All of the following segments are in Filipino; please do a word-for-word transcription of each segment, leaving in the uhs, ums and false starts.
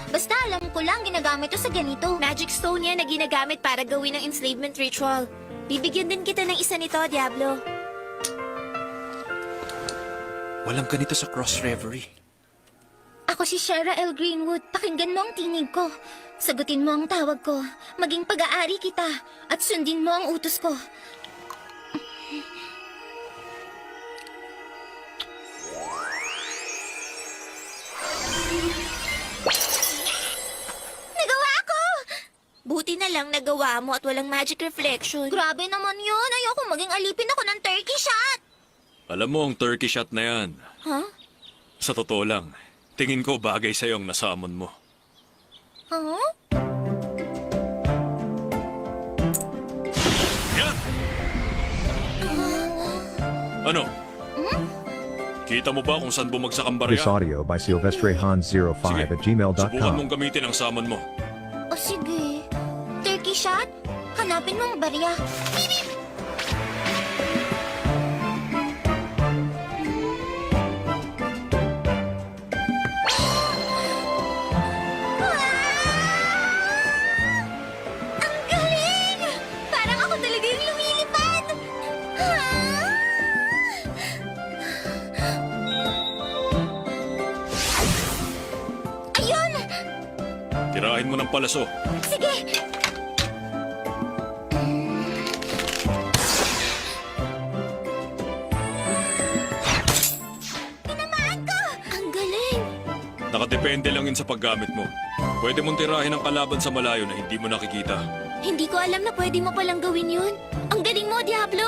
Basta alam ko lang ginagamit to sa ganito. Magic stone yan na ginagamit para gawin ng enslavement ritual. Bibigyan din kita ng isa nito, Diablo. Walang ganito sa Cross Reverie. Ako si Shara L. Greenwood. Pakinggan mo ang tinig ko. Sagutin mo ang tawag ko. Maging pag-aari kita. At sundin mo ang utos ko. Nagawa ko! Buti na lang nagawa mo at walang magic reflection. Grabe naman yun. Ayoko maging alipin ako ng turkey shot. Alam mo ang turkey shot na yan. Huh? Sa totoo lang, tingin ko bagay sa'yo ang nasamon mo. Huh? Yan! Ano? Kita mo ba kung saan bumagsak ang This barya? audio by Silvestre Hans zero five at gmail dot subukan com. mong gamitin ang samon mo. O sige. Turkey shot? Hanapin mo ang barya. Bip! Ang galing! Parang ako talaga yung lumilipad! Ah! Ayun! Tirahin mo ng palaso. Sige! Tinamaan ko! Ang galing! Nakadepende lang yun sa paggamit mo. Pwede mong tirahin ang kalaban sa malayo na hindi mo nakikita. Hindi ko alam na pwede mo palang gawin yun. Ang galing mo, Diablo!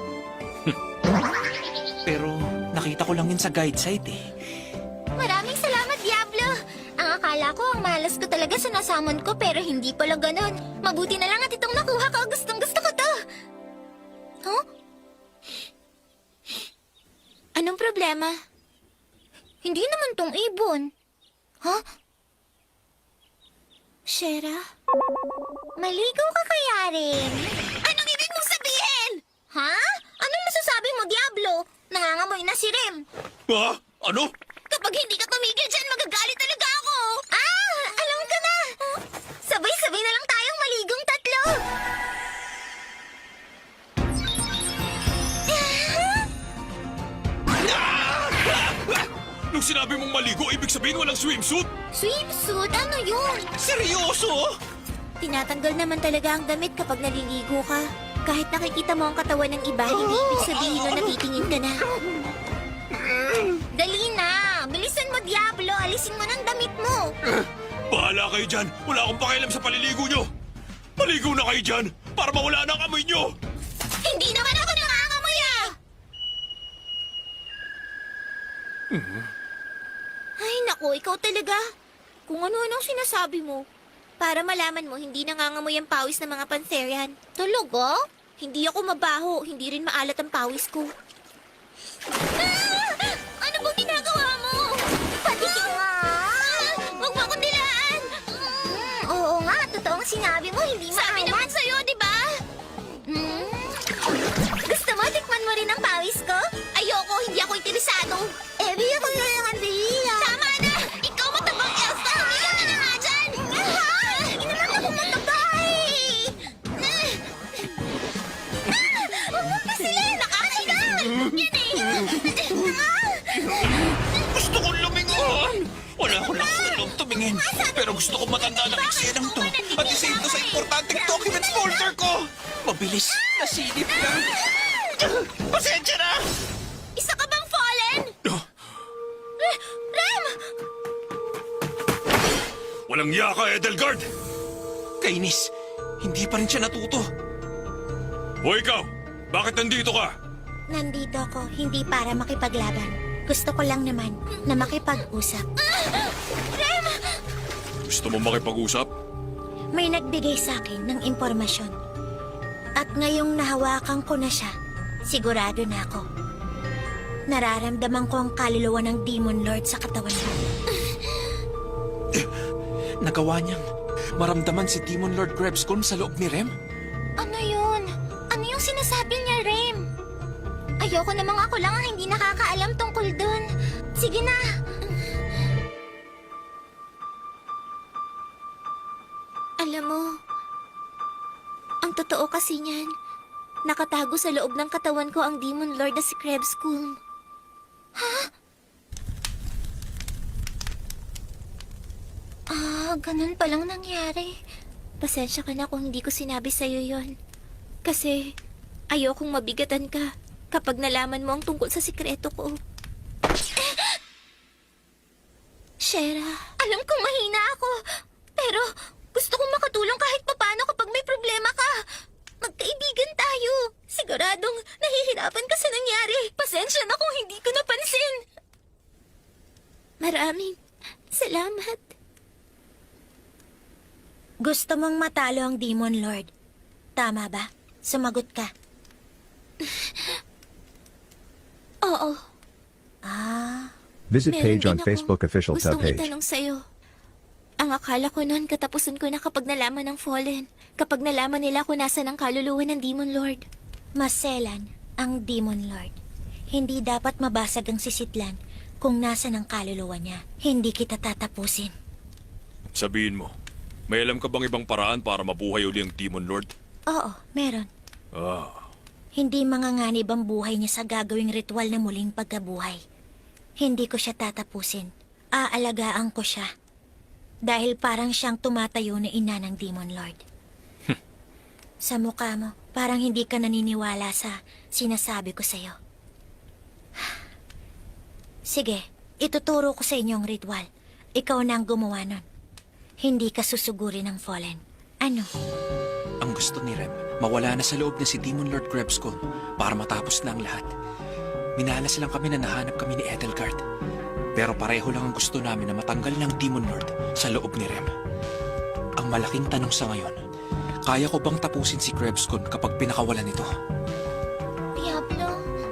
Pero nakita ko lang yun sa guide site eh. Maraming salamat, Diablo! Ang akala ko, ang malas ko talaga sa nasamon ko, pero hindi pala ganon. Mabuti na lang at itong nakuha ko. Gustong gusto ko to! Huh? Anong problema? Hindi naman tong ibon. Huh? Shera? Maligaw ka kaya rin? Anong ibig mong sabihin? Ha? Anong masasabi mo, Diablo? Nangangamoy na si Rem. Ha? Ano? Kapag hindi ka tumigil dyan, magagalit talaga ako! Ah! Alam ko na! Sabay-sabay na lang tayong maligong tatlo! Nung sinabi mong maligo, ibig sabihin walang swimsuit? Swimsuit? Ano yun? Seryoso? Tinatanggal naman talaga ang damit kapag naliligo ka. Kahit nakikita mo ang katawan ng iba, hindi ibig sabihin na natitingin ka na. Dali na! Bilisan mo, Diablo! Alisin mo ng damit mo! Bahala kayo dyan. Wala akong pakialam sa paliligo nyo. Maligo na kayo dyan para mawala na ang amoy nyo. Hindi naman ako nangangamoy ah! Ay, naku, ikaw talaga. Kung ano-anong sinasabi mo. Para malaman mo, hindi nangangamoy ang pawis ng mga Pantherian. Talaga? Hindi ako mabaho, hindi rin maalat ang pawis ko. Ah! Ano bang ginagawa mo? Patikin nga! Huwag mo akong dilaan! Hmm, oo nga, totoong sinabi mo, hindi Sabi naman maalat. sa'yo, di ba? Hmm? Gusto mo, tikman mo rin ang pawis ko? Ayoko, hindi ako interesado. Eh, bigyan ko na lang ang dila. Tama na! Ikaw matabang elf ka! Humiyak ka na nga dyan! Ah! Hindi naman ako matagay! Huwag mo pisilin! Nakakahiga! Yan eh! Gusto kong lumingon! Wala ko lang tulong tumingin. Pero gusto ko matanda ng eksenang to. At isave to sa importanteng documents folder ko. Mabilis, nasilip lang. Pasensya na! Isa ka bang fallen? Re- Rem! Walang iya ka, Edelgard. Kainis, hindi pa rin siya natuto. O ikaw, bakit nandito ka? Nandito ako, hindi para makipaglaban. Gusto ko lang naman na makipag-usap. Rem! Gusto mo makipag-usap? May nagbigay sa akin ng impormasyon. At ngayong nahawakan ko na siya, sigurado na ako. Nararamdaman ko ang kaluluwa ng Demon Lord sa katawan ko. Nagawa niyang maramdaman si Demon Lord Grebscon sa loob ni Rem? Ano yun? Ano yung sinasabi niya, Rem? Ayoko namang ako lang ang hindi nakakaalam tungkol dun. Sige na. Alam mo, ang totoo kasi niyan, nakatago sa loob ng katawan ko ang Demon Lord na si Krebskulm. Ah, ganun palang nangyari. Pasensya ka na kung hindi ko sinabi sa'yo yon. Kasi ayokong mabigatan ka kapag nalaman mo ang tungkol sa sikreto ko. Shera, alam kong mahina ako. Pero gusto kong makatulong kahit papano kapag may problema ka. Magkaibigan tayo. Siguradong nahihirapan ka sa nangyari. Pasensya na kung hindi ko napansin. Maraming salamat. Gusto mong matalo ang Demon Lord. Tama ba? Sumagot ka. Oo. Ah, Visit Meron page din on akong Facebook official gustong subpage. itanong sa'yo. Ang akala ko noon katapusan ko na kapag nalaman ng Fallen. Kapag nalaman nila kung nasa ng kaluluwa ng Demon Lord. maselan ang Demon Lord. Hindi dapat mabasag ang sisitlan kung nasa ng kaluluwa niya. Hindi kita tatapusin. Sabihin mo, may alam ka bang ibang paraan para mabuhay uli ang Demon Lord? Oo, meron. Ah, Hindi manganganib ang buhay niya sa gagawing ritual na muling pagkabuhay. Hindi ko siya tatapusin. Aalagaan ko siya. Dahil parang siyang tumatayo na ina ng Demon Lord. Sa mukha mo, parang hindi ka naniniwala sa sinasabi ko sa'yo. Sige, ituturo ko sa inyo ang ritual. Ikaw na ang gumawa nun. Hindi ka susugurin ng Fallen. Ano? Ang gusto ni Rem, mawala na sa loob na si Demon Lord Krebskulm para matapos na ang lahat. Minalas lang kami na nahanap kami ni Edelgard. Pero pareho lang ang gusto namin na matanggal ng Demon Lord sa loob ni Rem. Ang malaking tanong sa ngayon, kaya ko bang tapusin si Krebskulm kapag pinakawalan ito? Diablo.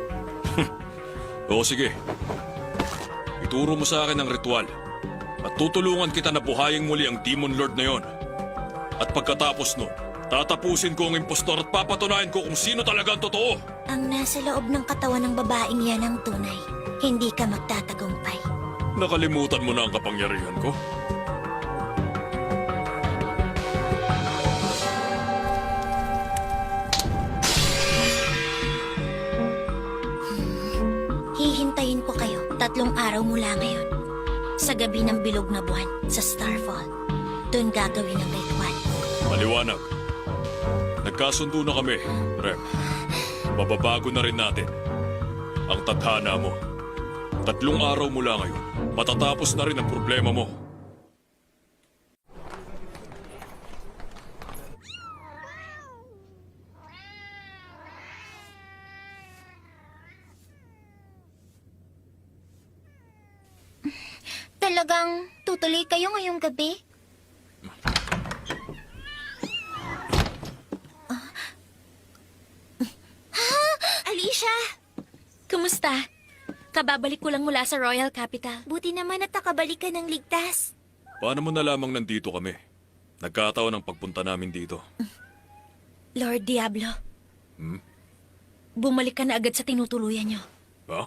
oo sige. Ituro mo sa akin ang ritual. At tutulungan kita na buhayin muli ang Demon Lord na yon. At pagkatapos nun, tatapusin ko ang impostor at papatunayan ko kung sino talaga ang totoo. Ang nasa loob ng katawan ng babaeng yan ang tunay. Hindi ka magtatagumpay. Nakalimutan mo na ang kapangyarihan ko? Hihintayin ko kayo tatlong araw mula ngayon. Sa gabi ng bilog na buwan sa Starfall. Doon gagawin ang ritual. Maliwanag. Nagkasundo na kami, Rem. Mababago na rin natin ang tadhana mo. Tatlong araw mula ngayon, matatapos na rin ang problema mo. Talagang tutuloy kayo ngayong gabi? Alicia! Kumusta? Kababalik ko lang mula sa Royal Capital. Buti naman at nakabalik ka ng ligtas. Paano mo nalamang nandito kami? Nagkataon ang pagpunta namin dito. Lord Diablo. Hmm? Bumalik ka na agad sa tinutuluyan niyo. Ha?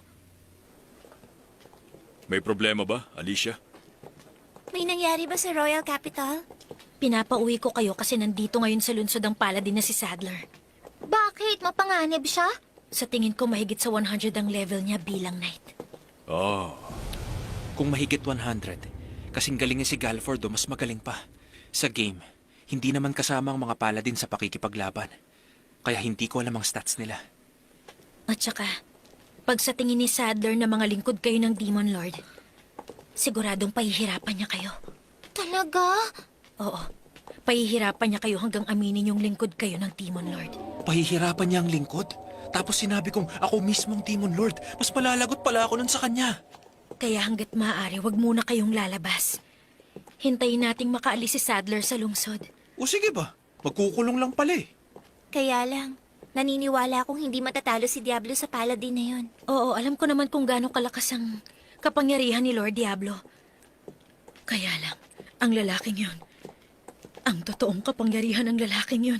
May problema ba, Alicia? May nangyari ba sa Royal Capital? Pinapauwi ko kayo kasi nandito ngayon sa lungsod ang paladin na si Sadler. Bakit? Mapanganib siya? Sa tingin ko mahigit sa one hundred ang level niya bilang knight. Ah, Kung mahigit one hundred, kasing galing ni si Galford o mas magaling pa. Sa game, hindi naman kasama ang mga paladin sa pakikipaglaban. Kaya hindi ko alam ang stats nila. At saka, pag sa tingin ni Sadler na mga lingkod kayo ng Demon Lord, siguradong pahihirapan niya kayo. Talaga? Oo, pahihirapan niya kayo hanggang aminin yung lingkod kayo ng Demon Lord. Pahihirapan niya ang lingkod? Tapos sinabi kong ako mismo ang Demon Lord. Mas malalagot pala ako nun sa kanya. Kaya hanggat maaari, wag muna kayong lalabas. Hintayin nating makaalis si Sadler sa lungsod. O sige ba? Magkukulong lang pala eh. Kaya lang, naniniwala akong hindi matatalo si Diablo sa paladin na yon. Oo, alam ko naman kung gaano kalakas ang kapangyarihan ni Lord Diablo. Kaya lang, ang lalaking yon, ang totoong kapangyarihan ng lalaking yon,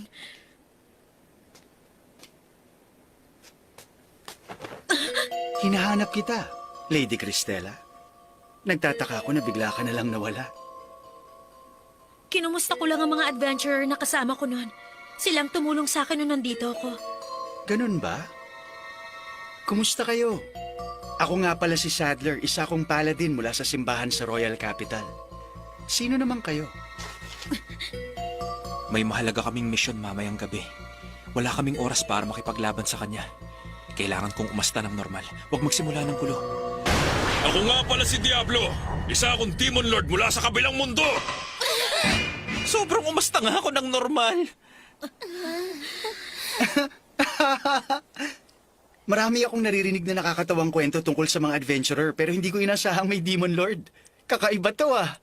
Hinahanap kita, Lady Cristela. Nagtataka ako na bigla ka na lang nawala. Kinumusta ko lang ang mga adventurer na kasama ko noon. Silang tumulong sa akin nung nandito ako. Ganun ba? Kumusta kayo? Ako nga pala si Sadler, isa akong paladin mula sa simbahan sa Royal Capital. Sino naman kayo? May mahalaga kaming misyon mamayang gabi. Wala kaming oras para makipaglaban sa kanya. Kailangan kong umasta ng normal. Huwag magsimula ng gulo. Ako nga pala si Diablo. Isa akong Demon Lord mula sa kabilang mundo. Sobrang umasta nga ako ng normal. Marami akong naririnig na nakakatawang kwento tungkol sa mga adventurer pero hindi ko inasahang may Demon Lord. Kakaiba to ah.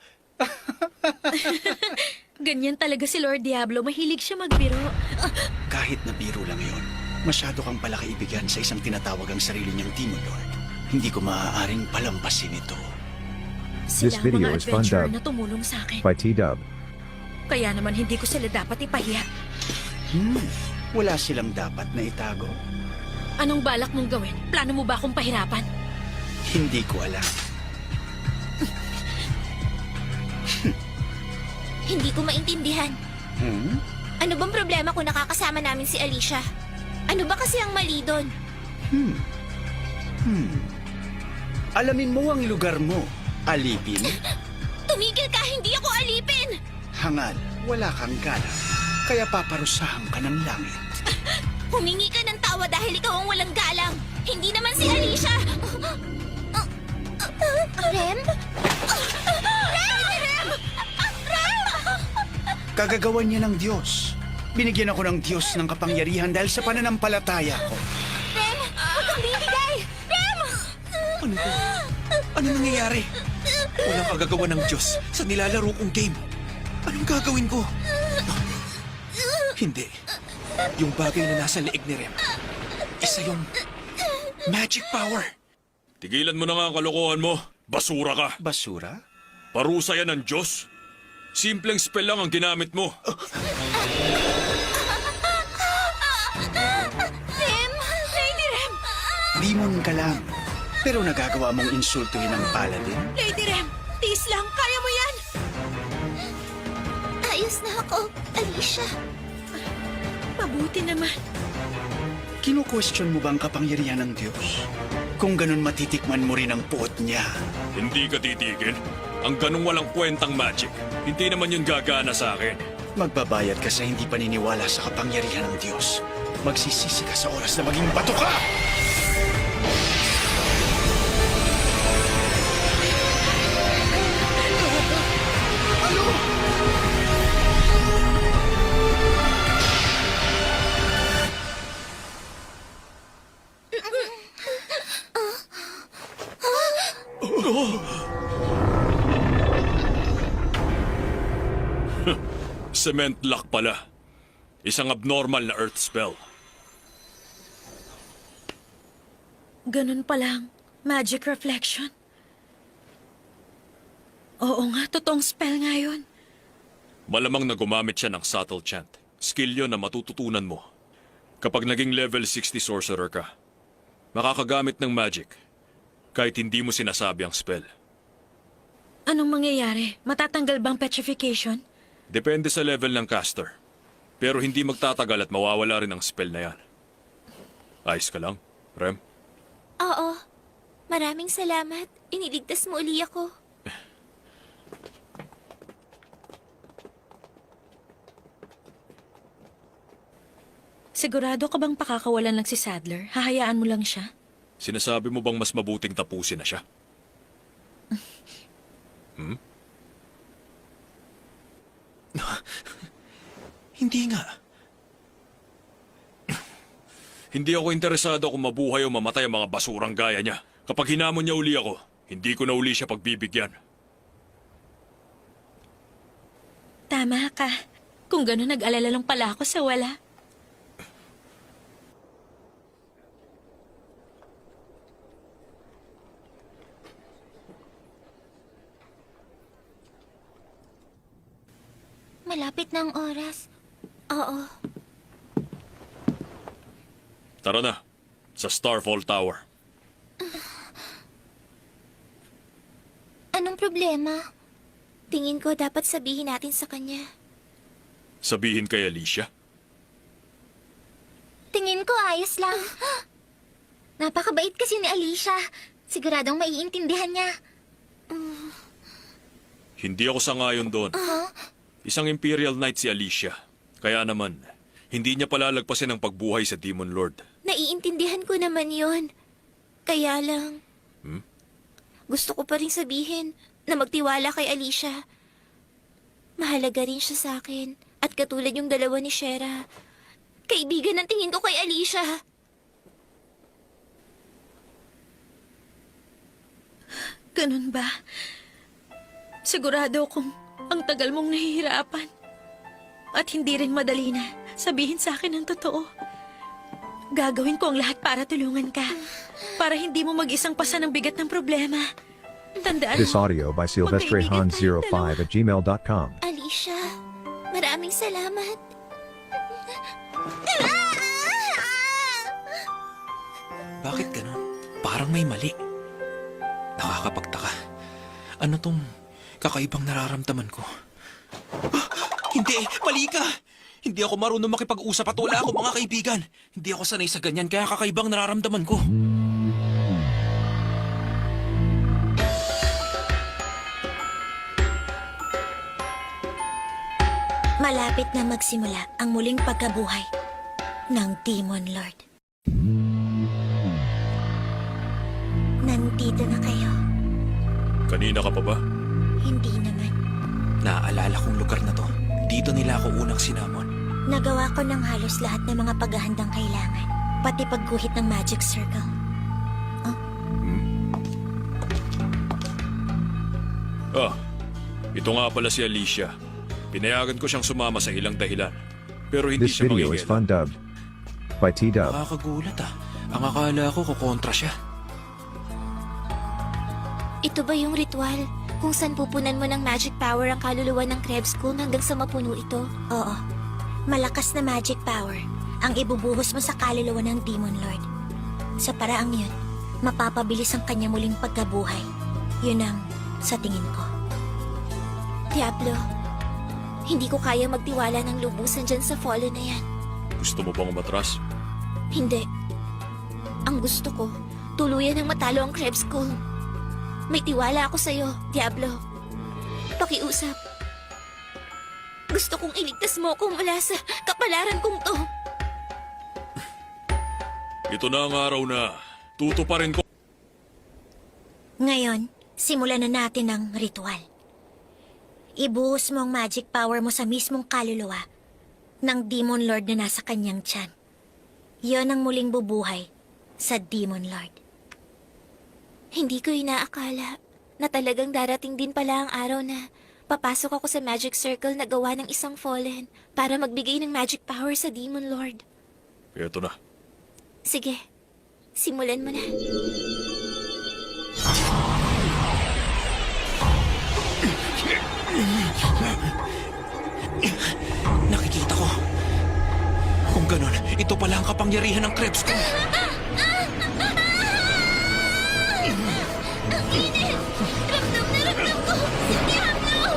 Ganyan talaga si Lord Diablo. Mahilig siya magbiro. Kahit na biro lang yon, masyado kang pala kaibigan sa isang tinatawag ang sarili niyang Demon Lord. Hindi ko maaaring palampasin ito. This Sila ang video mga is fun adventurer dubbed na tumulong sa akin. by T-Dub. Kaya naman hindi ko sila dapat ipahiya. Hmm, wala silang dapat na itago. Anong balak mong gawin? Plano mo ba akong pahirapan? Hindi ko alam. Hindi ko maintindihan. Hmm? Ano bang problema kung nakakasama namin si Alicia? Ano ba kasi ang mali doon? Hmm. Hmm. Alamin mo ang lugar mo, alipin. Tumigil ka, hindi ako alipin! Hangal, wala kang galang. Kaya paparusahan ka ng langit. Humingi ka ng tawa dahil ikaw ang walang galang. Hindi naman si Alicia. Rem? Rem! Rem! Rem! Kagagawan niya ng Diyos. Binigyan ako ng Diyos ng kapangyarihan dahil sa pananampalataya ko. Rem! Huwag kang bibigay! Rem! Ano ba? Ano nangyayari? Walang kagagawa ng Diyos sa nilalaro kong game. Anong gagawin ko? Hindi. Yung bagay na nasa leeg ni Rem, isa yung magic power. Tigilan mo na nga ang kalokohan mo. Basura ka. Basura? Parusa yan ng Diyos. Simpleng spell lang ang ginamit mo. Rem! Lady Rem! Demon ka lang. Pero nagagawa mong insultuhin ang paladin? Lady Rem, tiis lang. Kaya mo yan. Ayos na ako, Alicia. Mabuti naman. Kino-question mo ba ang kapangyarihan ng Diyos? Kung ganun matitikman mo rin ang puot niya. Hindi ka titigil. Ang ganong walang kwentang magic. Hindi naman yun gagana sa akin. Magbabayad ka sa hindi paniniwala sa kapangyarihan ng Diyos. Magsisisi ka sa oras na maging bato ka! Cement lock pala. Isang abnormal na earth spell. Ganun pa lang. Magic reflection. Oo nga, totoong spell nga yun. Malamang na gumamit siya ng subtle chant. Skill yun na matututunan mo. Kapag naging level sixty sorcerer ka, makakagamit ng magic kahit hindi mo sinasabi ang spell. Anong mangyayari? Matatanggal bang petrification? Depende sa level ng caster. Pero hindi magtatagal at mawawala rin ang spell na yan. Ayos ka lang, Rem? Oo. Maraming salamat. Iniligtas mo uli ako. Sigurado ka bang pakakawalan lang si Sadler? Hahayaan mo lang siya? Sinasabi mo bang mas mabuting tapusin na siya? Hmm? Hindi nga. Hindi ako interesado kung mabuhay o mamatay ang mga basurang gaya niya. Kapag hinamon niya uli ako, hindi ko na uli siya pagbibigyan. Tama ka. Kung gano'n, nag-alala lang pala ako sa wala. Malapit na ang oras. Oo. Tara na, sa Starfall Tower. Anong problema? Tingin ko dapat sabihin natin sa kanya. Sabihin kay Alicia. Tingin ko ayos lang. Napakabait kasi ni Alicia. Siguradong maiintindihan niya. Hindi ako sangayon doon. Isang Imperial Knight si Alicia. Kaya naman, hindi niya palalagpasin ang pagbuhay sa Demon Lord. Naiintindihan ko naman yon. Kaya lang, Hmm? gusto ko pa rin sabihin na magtiwala kay Alicia. Mahalaga rin siya sa akin. At katulad yung dalawa ni Shera. Kaibigan ang tingin ko kay Alicia. Ganun ba? Sigurado kung ang tagal mong nahihirapan. At hindi rin madali na sabihin sa akin ang totoo. Gagawin ko ang lahat para tulungan ka. Para hindi mo mag-isang pasa ng bigat ng problema. Tandaan This mo, audio by Silvestre magkaibigan Han zero tayong five at gmail dot com. Alicia, maraming salamat. Bakit ganun? Parang may mali. Nakakapagtaka. Ano tong kakaibang nararamdaman ko? Ah, hindi! Mali ka! Hindi ako marunong makipag-usap at wala ako mga kaibigan. Hindi ako sanay sa ganyan kaya kakaibang nararamdaman ko. malapit na magsimula ang muling pagkabuhay ng Demon Lord. Nandito na kayo. Kanina ka pa ba? Hindi naman. Naaalala kong lugar na to. Dito nila ako unang sinamon. Nagawa ko ng halos lahat ng mga paghahandang kailangan. Pati pagguhit ng magic circle. Ah, ito nga pala si Alicia. Pinayagan ko siyang sumama sa ilang dahilan. Pero hindi This siya video is mangingialam. fun dubbed by T-Dub. Nakakagulat ah. Ang akala ko kukontra siya. Ito ba yung ritual kung saan pupunan mo ng magic power ang kaluluwa ng Krebs School hanggang sa mapuno ito? Oo. Malakas na magic power ang ibubuhos mo sa kaluluwa ng Demon Lord. Sa paraang yun, mapapabilis ang kanya muling pagkabuhay. Yun ang sa tingin ko. Diablo, hindi ko kaya magtiwala ng lubusan dyan sa Fallen na yan. Gusto mo bang umatras? Hindi. Ang gusto ko, tuluyan ng matalo ang Krebs School. May tiwala ako sa'yo, Diablo. Pakiusap. Gusto kong iligtas mo ako mula sa kapalaran kong to. Ito na ang araw na tutuparin ko. Ngayon, simulan na natin ang ritual. Ibuhos mo ang magic power mo sa mismong kaluluwa ng Demon Lord na nasa kanyang tiyan. Yon ang muling bubuhay sa Demon Lord. Hindi ko inaakala na talagang darating din pala ang araw na papasok ako sa magic circle na gawa ng isang fallen para magbigay ng magic power sa Demon Lord. Ito na. Sige, simulan mo na. Nakikita ko. Kung ganun, ito pala ang kapangyarihan ng Krebs ko. Ramdam na ramdam ko! Diablo!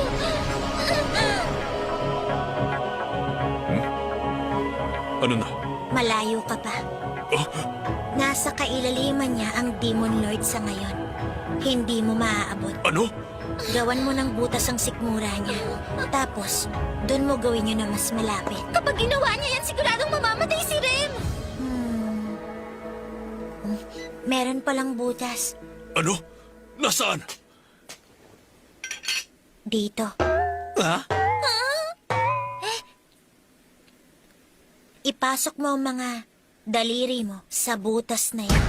Ano na? Malayo ka pa. Nasa kailaliman niya ang Demon Lord sa ngayon. Hindi mo maaabot. Ano? Gawan mo ng butas ang sikmura niya. Tapos, doon mo gawin yun na mas malapit. Kapag ginawa niya yan, siguradong mamamatay si Rem! Hmm. Hmm. Meron palang butas. Ano? Nasaan? Dito. Ha? Ipasok mo ang mga daliri mo sa butas na yan.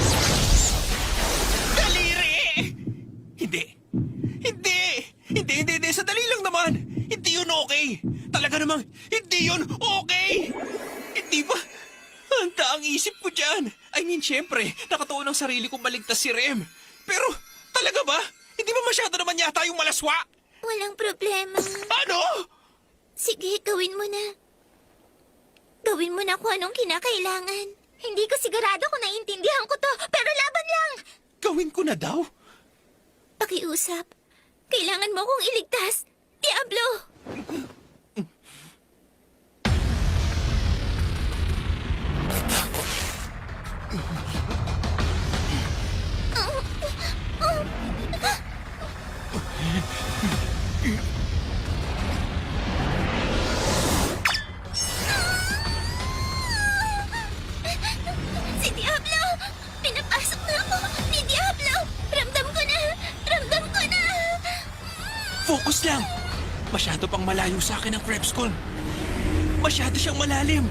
Daliri! Hindi. Hindi! Hindi, hindi, hindi. Sadali lang naman. Hindi yun okay. Talaga namang, hindi yun okay. Hindi ba? Handa ang isip ko dyan. I mean, syempre, nakatuon ang sarili kong maligtas si Rem. Pero, talaga ba? Hindi ba masyado naman yata yung malaswa? Walang problema. Ano? Sige, gawin mo na. Gawin mo na kung anong kinakailangan. Hindi ko sigurado kung naiintindihan ko to, pero laban lang! Gawin ko na daw? Pakiusap. Kailangan mo akong iligtas. Diablo! Si Diablo! Pinapasok na ako ni Diablo! Ramdam ko na! Ramdam ko na! Focus lang! Masyado pang malayo sa akin ang Krebskull. Masyado siyang malalim.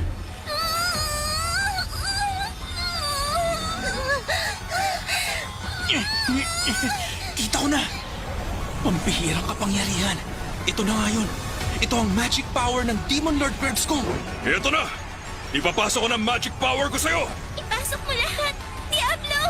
Kita ko na! Pampihirang kapangyarihan. Ito na nga yun. Ito ang magic power ng Demon Lord Krebskull. Ito na! Ipapasok ko ng magic power ko sa'yo! Ipasok mo lahat! Diablo!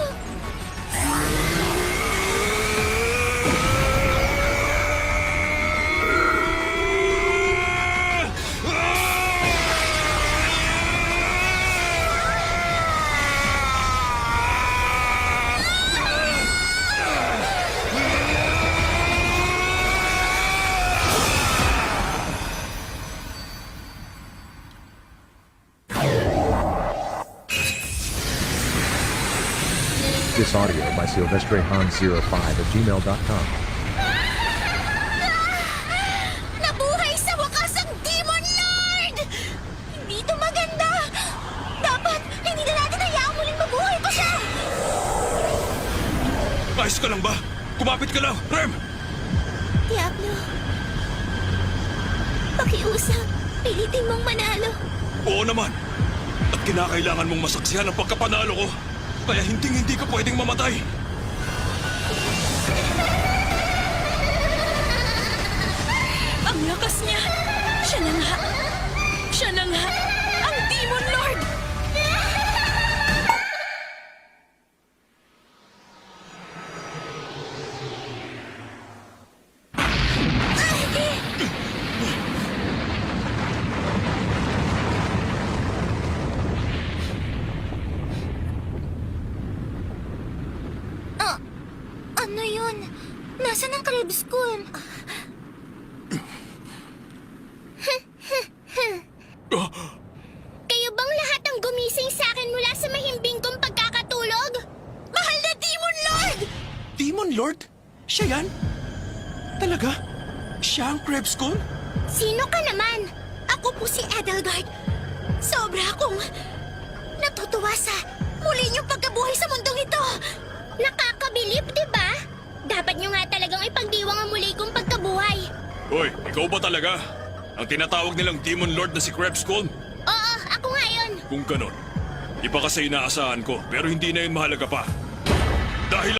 This audio by Silvestre Hans zero five at gmail dot com. Nabuhay sa wakas ang Demon Lord! Hindi ito maganda! Dapat hindi na natin hayaang muling mabuhay ko siya! Ayos ka lang ba? Kumapit ka lang, Rem! Diablo, pakiusap. Pilitin mong manalo. Oo naman. At kinakailangan mong masaksihan ang pagkapanalo ko. Kaya hinding-hindi ka pwedeng mamatay. Ang lakas niya! Siya na nga! Siya na nga! Ang Demon Lord! Ah, ano yun? Nasaan ang Krebskull? Kayo bang lahat ang gumising sa akin mula sa mahimbing kong pagkakatulog? Mahal na Demon Lord! Demon Lord? Siya yan? Talaga? Siya ang Krebskull? Sino ka naman? Ako po si Edelgard. Sobra akong natutuwa sa muli niyong pagkabuhay sa mundong ito. Nakakabilib, di ba? Dapat nyo nga talagang ipagdiwang ang muli kong pagkabuhay. Hoy, ikaw ba talaga? Ang tinatawag nilang Demon Lord na si Krebskull? Oo, ako nga yun. Kung ganon, iba kasi inaasahan ko pero hindi na yun mahalaga pa. Dahil